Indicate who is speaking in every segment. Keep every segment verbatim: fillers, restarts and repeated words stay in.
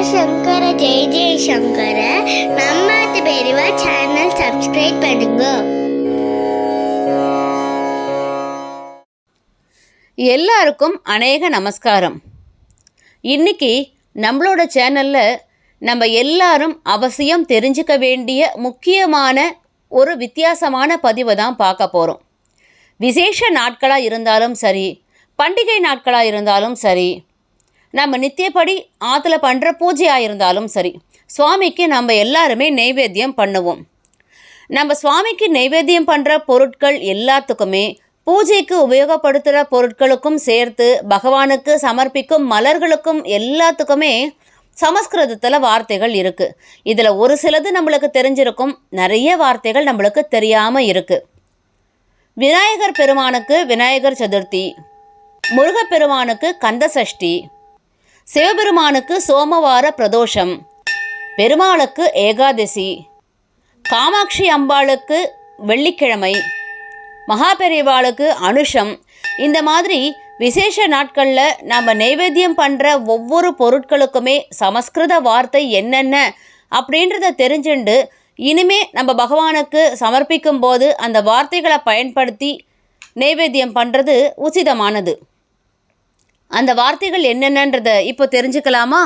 Speaker 1: சங்கர ஜெய ஜெய சங்கர. நம்ம பெரியவா சேனல் சப்ஸ்கிரைப் பண்ணுங்க.
Speaker 2: எல்லாருக்கும் அநேக நமஸ்காரம். இன்னைக்கு நம்மளோட சேனலில் நம்ம எல்லாரும் அவசியம் தெரிஞ்சுக்க வேண்டிய முக்கியமான ஒரு வித்தியாசமான பதிவை தான் பார்க்க போகிறோம். விசேஷ நாட்களாக இருந்தாலும் சரி, பண்டிகை நாட்களாக இருந்தாலும் சரி, நம்ம நித்தியப்படி ஆற்றுல பண்ணுற பூஜையாக இருந்தாலும் சரி, சுவாமிக்கு நம்ம எல்லாருமே நைவேத்தியம் பண்ணுவோம். நம்ம சுவாமிக்கு நைவேத்தியம் பண்ணுற பொருட்கள் எல்லாத்துக்குமே, பூஜைக்கு உபயோகப்படுத்துகிற பொருட்களுக்கும் சேர்த்து பகவானுக்கு சமர்ப்பிக்கும் மலர்களுக்கும் எல்லாத்துக்குமே சமஸ்கிருதத்தில் வார்த்தைகள் இருக்குது. இதில் ஒரு சிலது நம்மளுக்கு தெரிஞ்சிருக்கும், நிறைய வார்த்தைகள் நம்மளுக்கு தெரியாமல் இருக்குது. விநாயகர் பெருமானுக்கு விநாயகர் சதுர்த்தி, முருகப்பெருமானுக்கு கந்த சஷ்டி, சிவபெருமானுக்கு சோமவார பிரதோஷம், பெருமாளுக்கு ஏகாதசி, காமாட்சி அம்பாளுக்கு வெள்ளிக்கிழமை, மகாபெரிவாளுக்கு அனுஷம். இந்த மாதிரி விசேஷ நாட்களில் நம்ம நைவேத்தியம் பண்ணுற ஒவ்வொரு பொருட்களுக்குமே சமஸ்கிருத வார்த்தை என்னென்ன அப்படின்றத தெரிஞ்சுண்டு இனிமே நம்ம பகவானுக்கு சமர்ப்பிக்கும் போது அந்த வார்த்தைகளை பயன்படுத்தி நைவேத்தியம் பண்ணுறது உச்சிதமானது. அந்த வார்த்தைகள் என்னென்னன்றதை இப்போ தெரிஞ்சுக்கலாமா?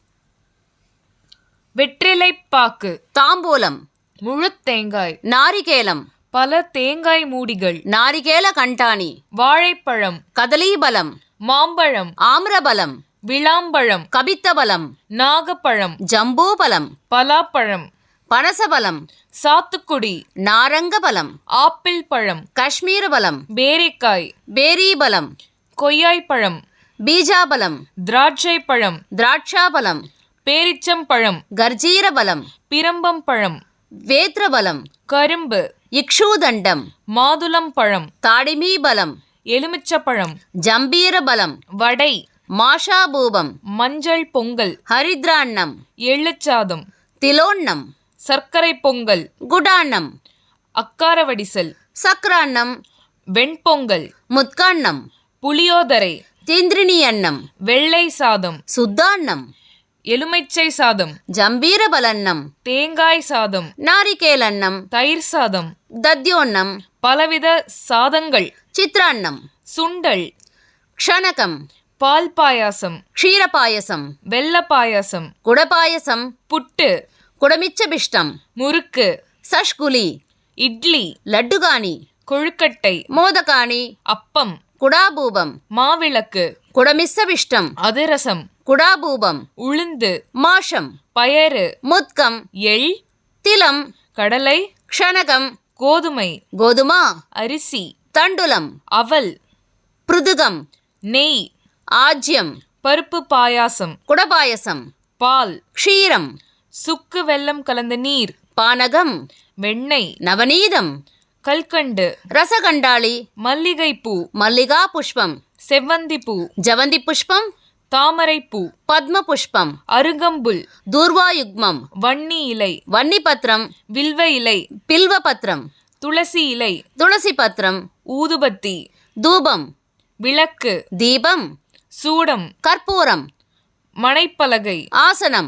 Speaker 3: வெற்றிலைப்பாக்கு,
Speaker 2: தாம்பூலம்,
Speaker 3: முழு தேங்காய்,
Speaker 2: நாரிகேலம்,
Speaker 3: பல தேங்காய் மூடிகள்,
Speaker 2: நாரிகேல கண்டாணி,
Speaker 3: வாழைப்பழம்,
Speaker 2: கதலீபலம்,
Speaker 3: மாம்பழம்,
Speaker 2: ஆம்ரபலம்,
Speaker 3: விளாம்பழம்,
Speaker 2: கபித்தபலம்,
Speaker 3: நாகப்பழம்,
Speaker 2: ஜம்பூபலம்,
Speaker 3: பலாப்பழம்,
Speaker 2: பனசபலம்,
Speaker 3: சாத்துக்குடி,
Speaker 2: நாரங்கபலம்,
Speaker 3: ஆப்பிள் பழம்,
Speaker 2: காஷ்மீரபலம்,
Speaker 3: பேரிக்காய்,
Speaker 2: பேரீபலம்,
Speaker 3: கொய்யாய்ப்பழம்,
Speaker 2: பீஜாபலம்,
Speaker 3: திராட்சை பழம்,
Speaker 2: திராட்சாபலம்,
Speaker 3: பேரிச்சம்பழம்,
Speaker 2: கர்ஜீரபலம்,
Speaker 3: பிரம்பம் பழம்,
Speaker 2: வேத்ரபலம்,
Speaker 3: கரும்பு,
Speaker 2: இக்ஷூதண்டம்,
Speaker 3: மாதுளம் பழம்,
Speaker 2: தாடிமீபலம்,
Speaker 3: எலுமிச்சப்பழம்,
Speaker 2: ஜம்பீரபலம்,
Speaker 3: வடை,
Speaker 2: மாஷாபூபம்,
Speaker 3: மஞ்சள் பொங்கல்,
Speaker 2: ஹரித்ராண்ணம்,
Speaker 3: எள்ளுச்சாதம்,
Speaker 2: திலோண்ணம்,
Speaker 3: சர்க்கரை பொங்கல்,
Speaker 2: குடாண்ணம்,
Speaker 3: அக்காரவடிசல்,
Speaker 2: சக்கராண்ணம்,
Speaker 3: வெண்பொங்கல்,
Speaker 2: முத்காண்ணம்,
Speaker 3: புளியோதரை,
Speaker 2: திந்திரினி அன்னம்,
Speaker 3: வெள்ளை சாதம்,
Speaker 2: சுத்தாண்ணம்,
Speaker 3: எலுமிச்சை சாதம்,
Speaker 2: ஜம்பீரபலன்னம்,
Speaker 3: தேங்காய் சாதம்,
Speaker 2: நாரிகேலன்னம்,
Speaker 3: தயிர் சாதம்,
Speaker 2: தத்யோண்ணம்,
Speaker 3: பலவித சாதங்கள்,
Speaker 2: சித்ராண்ணம்,
Speaker 3: சுண்டல்,
Speaker 2: க்ஷணகம்,
Speaker 3: பால் பாயாசம்,
Speaker 2: க்ஷீரபாயசம்,
Speaker 3: வெள்ள பாயாசம்,
Speaker 2: குடபாயசம்,
Speaker 3: புட்டு,
Speaker 2: குடமிச்சபிஷ்டம்,
Speaker 3: முறுக்கு,
Speaker 2: சஷ்குலி,
Speaker 3: இட்லி,
Speaker 2: லட்டுகானி,
Speaker 3: கொழுக்கட்டை,
Speaker 2: மோதகானி,
Speaker 3: அப்பம்,
Speaker 2: குடாபூபம்,
Speaker 3: மாவிளக்கு,
Speaker 2: குடமிச்சபிஷ்டம்,
Speaker 3: அதிரசம்,
Speaker 2: குடாபூபம்,
Speaker 3: உளுந்து,
Speaker 2: மாஷம்,
Speaker 3: பயறு,
Speaker 2: முத்கம்,
Speaker 3: எள்,
Speaker 2: திலம்,
Speaker 3: கடலை,
Speaker 2: க்ஷணகம்,
Speaker 3: கோதுமை,
Speaker 2: கோதுமா,
Speaker 3: அரிசி,
Speaker 2: தண்டுலம்,
Speaker 3: அவல்,
Speaker 2: பிருதுகம்,
Speaker 3: நெய்,
Speaker 2: ஆஜ்யம்,
Speaker 3: பருப்பு பாயாசம்,
Speaker 2: குடபாயசம்,
Speaker 3: பால்,
Speaker 2: க்ஷீரம்,
Speaker 3: சுக்கு வெல்லம் கலந்த நீர்,
Speaker 2: பானகம்,
Speaker 3: வெண்ணெய்,
Speaker 2: நவநீதம்,
Speaker 3: கல்கண்டு,
Speaker 2: ரசகண்டாளி,
Speaker 3: மல்லிகைப்பூ,
Speaker 2: மல்லிகா புஷ்பம்,
Speaker 3: செவ்வந்தி பூ,
Speaker 2: ஜவந்தி புஷ்பம்,
Speaker 3: தாமரைப்பூ,
Speaker 2: பத்ம புஷ்பம்,
Speaker 3: அருகம்புல்,
Speaker 2: தூர்வாயுக்மம்,
Speaker 3: வன்னி இலை,
Speaker 2: வன்னிபத்ரம்,
Speaker 3: வில்வ இலை,
Speaker 2: பில்வபத்ரம்,
Speaker 3: துளசி இலை,
Speaker 2: துளசி பத்ரம்,
Speaker 3: ஊதுபத்தி,
Speaker 2: தூபம்,
Speaker 3: விளக்கு,
Speaker 2: தீபம்,
Speaker 3: சூடம்,
Speaker 2: கற்பூரம்,
Speaker 3: மணைப்பலகை,
Speaker 2: ஆசனம்,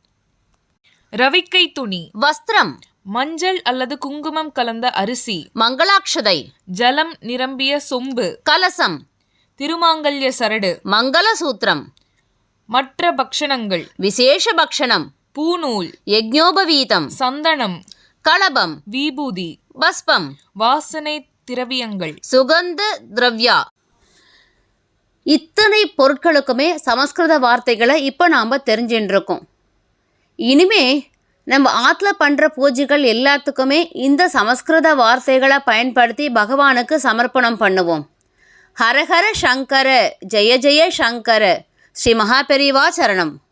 Speaker 3: ரவிக்கை துணி,
Speaker 2: வஸ்திரம்,
Speaker 3: மஞ்சள் அல்லது குங்குமம் கலந்த அரிசி,
Speaker 2: மங்களாட்சதை,
Speaker 3: ஜலம் நிரம்பிய சொம்பு,
Speaker 2: கலசம்,
Speaker 3: திருமாங்கல்ய சரடு,
Speaker 2: மங்களசூத்திரம்,
Speaker 3: மற்ற பக்ஷணங்கள்,
Speaker 2: விசேஷ பக்ஷணம்,
Speaker 3: பூநூல்,
Speaker 2: யஜ்ஞோபவீதம்,
Speaker 3: சந்தனம்,
Speaker 2: களபம்,
Speaker 3: விபூதி,
Speaker 2: பஸ்பம்,
Speaker 3: வாசனை திரவியங்கள்,
Speaker 2: சுகந்த திரவ்யா. இத்தனை பொருட்களுக்குமே சமஸ்கிருத வார்த்தைகளை இப்போ நாம் தெரிஞ்சுட்டு இருக்கோம். இனிமே நம்ம ஆற்றுல பண்ணுற பூஜைகள் எல்லாத்துக்குமே இந்த சமஸ்கிருத வார்த்தைகளை பயன்படுத்தி பகவானுக்கு சமர்ப்பணம் பண்ணுவோம். ஹரஹர சங்கர, ஜெய ஜெய சங்கர, ஸ்ரீ மகாபெரிவா சரணம்.